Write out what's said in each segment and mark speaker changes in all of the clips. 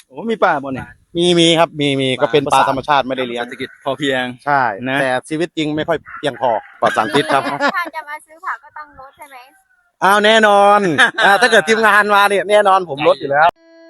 Speaker 1: โอ้มีป่าบ่เนี่ย
Speaker 2: มีครับมีก็เป็นปลาธรรมชาติไม่ได้เลี้ยง
Speaker 1: เศรษฐกิจพอเพียง
Speaker 2: ใช่
Speaker 1: นะ
Speaker 2: แต่ชีวิตจริงไม่ค่อยเพียงพอปลอดสารพิษครับ
Speaker 3: ถ้าจะมาซื้อผักก็ต้องลดใช่ไหม
Speaker 2: อ้าวแน่นอนถ้าเกิดทีมงานมาเนี่ยแน่นอนผมลดอยู่แล้ว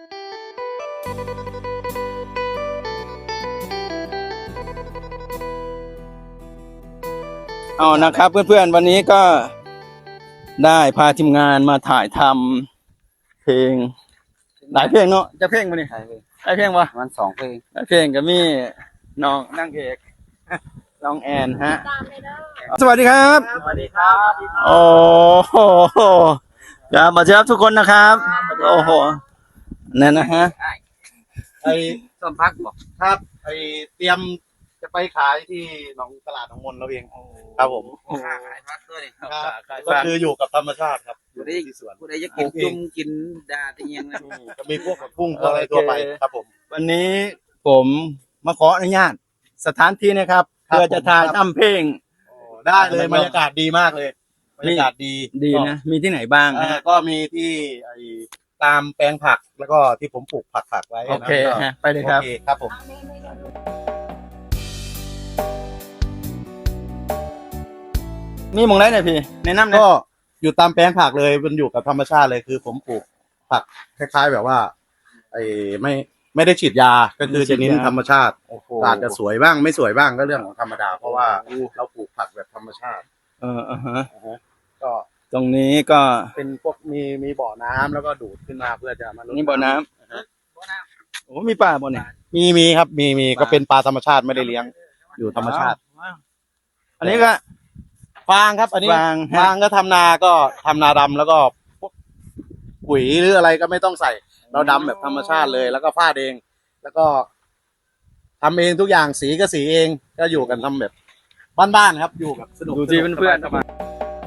Speaker 1: เอานะครับเพื่อนๆวันนี้ก็ได้พาทีมงานมาถ่ายทำเพลงหลายเพลงเนาะจะเพลงมาเนี่ยหลายเพลงวะ
Speaker 2: มัน2 เพลง
Speaker 1: หลายเพลงก็มีน้องนางเอกน้องแอนฮะ
Speaker 3: ตามเลยเด้อ
Speaker 1: สวัสดีครับ
Speaker 2: สวัสดีครับ
Speaker 1: โอ้โหครับมาเจอทุกคนนะครับโอ้โหนั่นนะฮะ
Speaker 2: ไอ้
Speaker 4: ต้นพักบอก
Speaker 2: ครับไอ้เตรียมจะไปขายที่หนองตลาดหนองมนแล้วเองครับผม
Speaker 4: ค่าขายพักด้วยนี่
Speaker 2: ก็คืออยู่กับธรรมชาติครับอยู่ที่สวน
Speaker 4: ผู้ใดจะกินจุ่มกินดาที่ยังนะ
Speaker 2: จะมีพวกแบบพุ่งพวกอะไรทั่วไปครับผม
Speaker 1: วันนี้ผมมาขออนุญาตสถานที่นะครับ
Speaker 2: ครับ
Speaker 1: เพื่อจะถ่ายทำเพลง
Speaker 2: ได้เลยบรรยากาศดีมากเลยบรรยากาศดี
Speaker 1: ดีนะมีที่ไหนบ้าง
Speaker 2: ก็มีที่ไอ้ตามแปลงผักแล้วก็ที่ผมปลูกผักไว้
Speaker 1: โอเคฮะไปเลยครับ
Speaker 2: โอเคครับผม
Speaker 1: มีหมองไรหน่อยพี่แนะนำหน่
Speaker 2: ก็
Speaker 1: อย
Speaker 2: อยู่ตามแปลงผักเลยมันอยู่กับธรรมชาติเลยคือผมปลูกผักคล้ายๆแบบว่าไอ้ไม่ได้ฉีดยาก็คือจะเน้นธรรมชาติ
Speaker 1: โอ้โห
Speaker 2: อาจจะสวยบ้างไม่สวยบ้างก็เรื่องของธรรมดาเพราะว่าเราปลูกผักแบบธรรมชาติ
Speaker 1: ฮะ
Speaker 2: ก็
Speaker 1: ตรงนี้ก็
Speaker 2: เป็นพวกมีบ่อน้ำแล้วก็ดูดขึ้นมาเพื่อจะมาลด
Speaker 1: นี่บ่อน้ำโอ้มีป่าบ่เนี่ย
Speaker 2: มีครับมีก็เป็นปลาธรรมชาติไม่ได้เลี้ยงอยู่ธรรมชาติ
Speaker 1: ว้าวอันนี้ก็
Speaker 2: ฟางครับ อันนี้
Speaker 1: ฟางฮะ
Speaker 2: ฟางก็ทำนาก็ทำนาดำแล้วก็พวกปุ๋ยหรืออะไรก็ไม่ต้องใส่ เราดำแบบธรรมชาติเลย แล้วก็ฟาดเอง แล้วก็ทำเองทุกอย่างสีก็สีเองก็อยู่กันทำแบบบ้านๆครับอยู่แบบสนุก
Speaker 1: ดูที่เพื่อน
Speaker 2: สบายๆ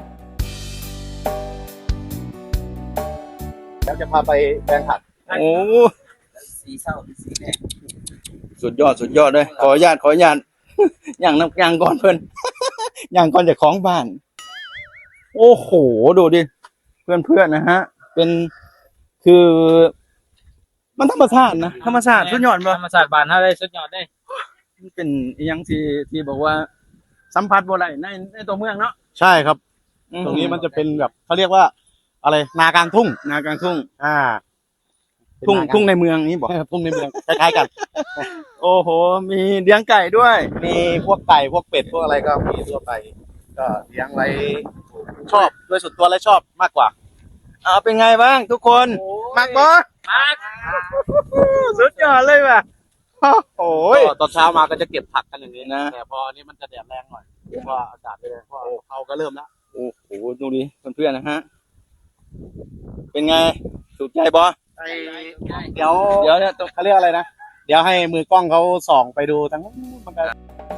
Speaker 2: แล้วจะพาไปแปลงผัก
Speaker 1: ๆโอ้
Speaker 4: สีเศร้าสีแดง
Speaker 1: สุดยอดเลยขออนุญาต อย่างน้ำยางก่อนเพื่อน อย่างก่อนจากของบ้าน โอ้โหดูดิเพื่อนๆนะฮะ เป็นคือมันธรรมชาตินะธรรมชาติสุดยอดป่ะ
Speaker 4: ธรรมศาสตร์บานเท่าไรสุดยอดได้
Speaker 1: มันเป็นอหยังที่บอกว่าสัมผัสบ่ได้ในตัวเมืองเนาะ
Speaker 2: ใช่ครับ ตรงนี้มันจะเป็นแบบเขาเรียกว่าอะไรนากลางทุ่ง
Speaker 1: นากลางทุ่ง
Speaker 2: อ่า
Speaker 1: ทุ่งในเมืองนี่บอก
Speaker 2: ทุ่งในเมืองคล้ายๆกัน
Speaker 1: โอ้โห มีเลี้ยงไก่ด้วย
Speaker 2: มีพวกไก่พวกเป็ดพวกอะไรก็มีทั่วไป ก็เลี้ยงไว้ชอบโดยส่วนตัวและชอบมากกว่า
Speaker 1: เป็นไงบ้างทุกคนมากบอ
Speaker 4: มาก
Speaker 1: สุดยอดเลยว่ะโอ้ย
Speaker 2: ก็ตอนเช้ามาก็จะเก็บผักกันอย่างนี้
Speaker 1: นะ
Speaker 2: แต่พอนี้มันจะแดดแรงหน่อยเพราะว่าอากาศไม่แรงเพราะเขาก็เริ่มแล้ว
Speaker 1: โอ้โหดูดิเพื่อนๆนะฮะ เป็นไงถูกใจบอ
Speaker 2: เดี๋ยว
Speaker 1: เดี๋ยวเนี่ยต้อง
Speaker 2: เขาเรียกอะไรนะเดี๋ยวให้มือกล้องเขาส่องไปดูทั้งมันก็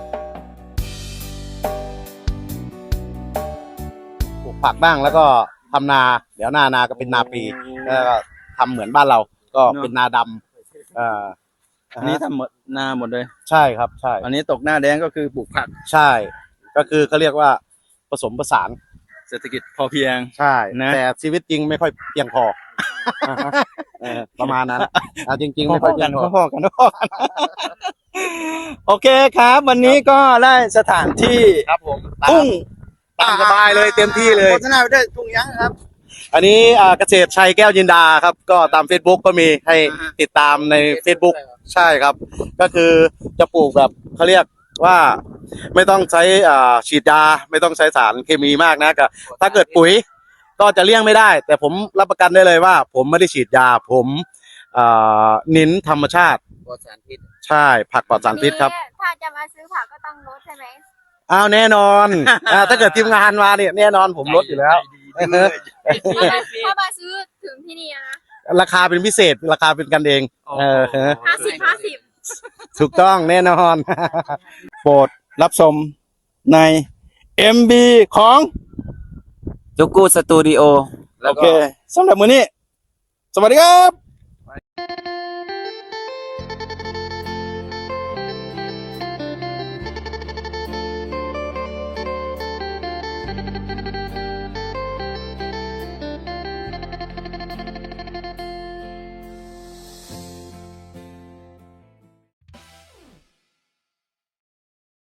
Speaker 2: ปลูกผักบ้างแล้วก็ทำนา เดี๋ยวนาก็เป็นนาปีแล้วก็ทำเหมือนบ้านเรา ก็เป็นนาดำ
Speaker 1: อันนี้ทำหมดนาหมดเลย
Speaker 2: ใช่ครับใช่
Speaker 1: อันนี้ตกหน้าแดงก็คือปลูกผัก
Speaker 2: ใช่ ก็คือเขาเรียกว่าผสมผสาน
Speaker 1: เศรษฐกิจพอเพียง
Speaker 2: ใช่
Speaker 1: นะ
Speaker 2: แต่ชีวิตจริงไม่ค่อยเพียงพอประมาณนั้นจริงๆไม่ค่อยเพียงพอ
Speaker 1: พ่อกันโอเคครับ วันนี้ก็ได้สถานที่
Speaker 2: ครับผม
Speaker 1: ทุ่ง
Speaker 2: ตามสบายเลยเต็มที่เลย
Speaker 1: โฆษณาไปด้วยทุ่งยังครับ
Speaker 2: อันนี้เกษตรชัยแก้วยินดาครับ ก็ตาม Facebook ก็มีให้ติดตามใน Facebook ใช่ครับ ก็คือจะปลูกแบบเขาเรียกว่าไม่ต้องใช้ฉีดยาไม่ต้องใช้สารเคมีมากนะก็ถ้าเกิดปุ๋ยก็จะเลี่ยงไม่ได้ แต่ผมรับประกันได้เลยว่า ผมไม่ได้ฉีดยาผมเน้นธรรมชาติ
Speaker 4: ปลอดสารพิษ
Speaker 2: ใช่ผักปลอดสารพิษครับ
Speaker 3: ถ้าจะมาซื้อผักก็ต้องลดใช่ไหม
Speaker 2: อ้าวแน่นอนถ้าเกิดทีมงานมาเนี่ยแน่นอนผมลดอยู่แล้ว
Speaker 3: ถ้ามาซื้อถึงที่นี่นะ
Speaker 2: ราคาเป็นพิเศษราคาเป็นกันเอง
Speaker 3: 50
Speaker 2: ถูกต้องแน่นอน
Speaker 1: โปรดรับชมใน MB ของ
Speaker 4: จุกูสตูดิโอ
Speaker 1: โอเคสำหรับมื้อนี้ สวัสดีครับ